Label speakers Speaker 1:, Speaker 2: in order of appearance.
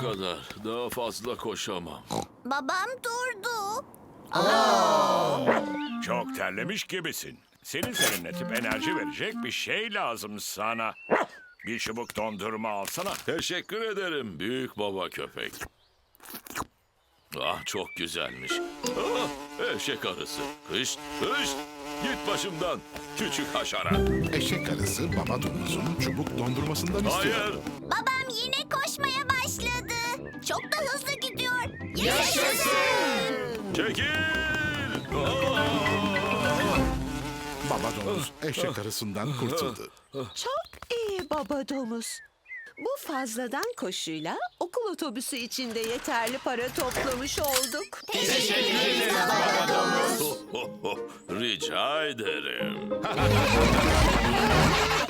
Speaker 1: kadar. Daha fazla koşamam.
Speaker 2: Babam durdu.
Speaker 3: Çok terlemiş gibisin. Senin serinletip enerji verecek bir şey lazım sana. Bir çubuk dondurma alsana.
Speaker 1: Teşekkür ederim büyük baba köpek. Ah çok güzelmiş. Ah, eşek arısı. Kış, kış. Git başımdan küçük haşerat.
Speaker 4: Eşek arısı baba domuzun çubuk dondurmasından istiyor.
Speaker 1: Hayır.
Speaker 2: Babam yine koşmaya başladı. Çok da hızlı gidiyor.
Speaker 1: Çekil. Ah!
Speaker 4: Baba domuz eşek arısından kurtuldu.
Speaker 5: Çok iyi baba domuz. Bu fazladan koşuyla okul otobüsü içinde yeterli para toplamış olduk.
Speaker 1: Rica ederim.